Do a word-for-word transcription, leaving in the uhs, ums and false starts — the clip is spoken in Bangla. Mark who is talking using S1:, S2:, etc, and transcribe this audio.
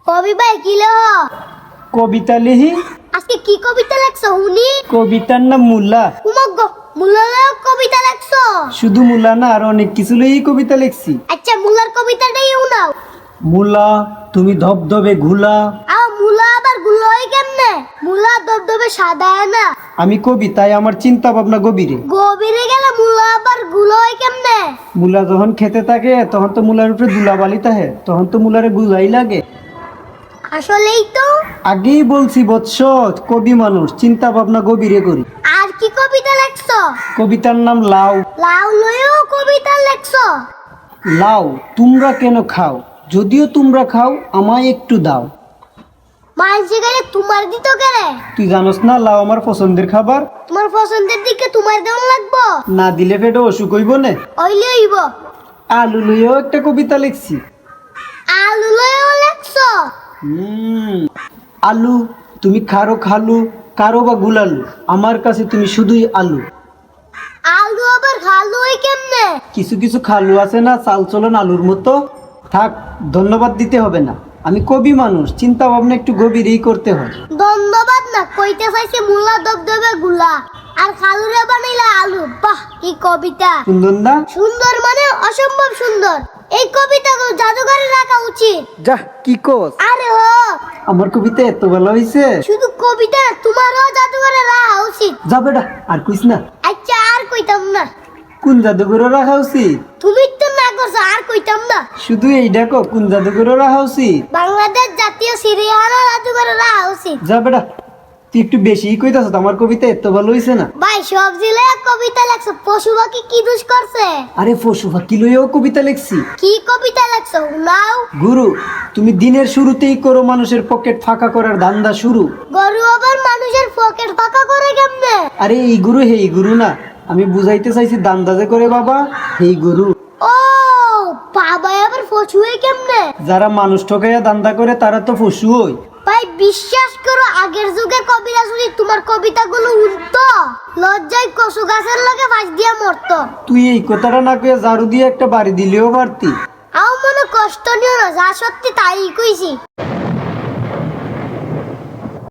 S1: কবি ভাই কি লেহ?
S2: কবিতা লিহি।
S1: আজকে কি কবিতা লেখছো হুনি?
S2: কবিতার নাম মুলা।
S1: উমগ্গ মুলার কবিতা লেখছো?
S2: শুধু মুলা না, আর অনেক কিছু লইই কবিতা লিখছি।
S1: আচ্ছা মুলার কবিতাটাই উনাও।
S2: মুলা তুমি ধবধবে ঘুলা।
S1: আ মুলা আবার গুলো হয় কেমনে? মুলা দবদবে সাদা হয় না।
S2: আমি কবি, তাই আমার চিন্তা ভাবনা গভীরে।
S1: গভীরে গেলে মুলা আবার গুলো হয় কেমনে?
S2: মুলা যখন খেতে থাকে তখন তো মুলার উপরে ধুলাবালি থাকে, তখন তো মুলারে গুলাই লাগে।
S1: আসলেই তো।
S2: আগেই বলছি বৎস, কবি মানুষ, চিন্তা ভাবনা গভীরে করি।
S1: আর কি কবিতা লেখছো?
S2: কবিতার নাম লাউ।
S1: লাউ লয়েও কবিতা লেখছো?
S2: লাউ তোমরা কেন খাও? যদিও তোমরা খাও, আমায় একটু দাও।
S1: মাঝে গেলে তোমার দিত কেরে?
S2: তুই জানোস না লাউ আমার পছন্দের খাবার।
S1: তোমার পছন্দের দিকে তোমার দেওয়ান লাগবো?
S2: না দিলে পেটে অসুখ হইব না।
S1: ওইলে হইব।
S2: আলু লইও একটা কবিতা লিখছি।
S1: আলু লয়েও লেখছো?
S2: হুম আলু তুমি খারো খালু, কারো বা গুলালু, আমার কাছে তুমি শুধুই আলু।
S1: আলু আবার খালু হয় কেমনে?
S2: কিছু কিছু খালু আছে না, চাল চলন আলুর মতো। থাক, ধন্যবাদ দিতে হবে না, আমি কবি মানুষ, চিন্তা ভাবনা একটু গভীরেই করতে হয়।
S1: ধন্যবাদ না, কইতে চাইছে মুলা দবদবে গুলা আর খালুরে বানাইলা আলু। বাহ কি কবিতা!
S2: সুন্দর না?
S1: সুন্দর মানে অসম্ভব সুন্দর। এই কবিতাগুলো জাদুঘরে রাখা উচিত।
S2: যা কি কোস?
S1: আরে হ,
S2: আমার কবিতা এত ভালো হইছে।
S1: শুধু কবিতা না, তোমারও জাদুঘরে রাখা উচিত।
S2: যা বেটা, আর কইস না।
S1: আচ্ছা আর কইতাম না।
S2: কোন জাদুঘরে রাখা উচিত?
S1: তুমি তো না করছো, আর কইতাম না।
S2: শুধু এই দেখো, কোন জাদুঘরে রাখা উচিত?
S1: বাংলাদেশ জাতীয় সিরিয়ানা জাদুঘরে রাখা উচিত।
S2: যা বেটা, তুই একটু বেশিই কইতাছ, আমার কবিতা এত ভালো হইছে না।
S1: ভাই সব জিলে কবিতা লেখছো, পশু পাখি কি দোষ করছে?
S2: আরে পশু পাখি লইয়াও কবিতা লিখছি।
S1: কি কবিতা লেখছো নাও?
S2: গুরু তুমি দিনের শুরুতেই করো মানুষের পকেট ফাঁকা করার ধান্দা শুরু।
S1: গরু আবার মানুষের পকেট ফাঁকা করে কেমনে?
S2: আরে এই গুরু হেই গুরু না, আমি বুঝাইতে চাইছি দান্দা যে করে বাবা, হেই গুরু।
S1: ও বাবা আবার পশু হয় কেমনে?
S2: যারা মানুষ ঠকাইয়া দান্দা করে তারা তো পশু হই।
S1: ভাই বিশ্বাস করো, আগের যুগের কবিরা শুনি তোমার কবিতাগুলো উঠতো, লজ্জায় কচু গাছের লগে ফাঁস দিয়া মরতো।
S2: তুই এই কথাটা না কইয়া ঝাড়ু দিয়ে একটা বাড়ি দিলেও পারতি।
S1: আও মনে কষ্ট নিও না, যা সত্যি তাই কইছি।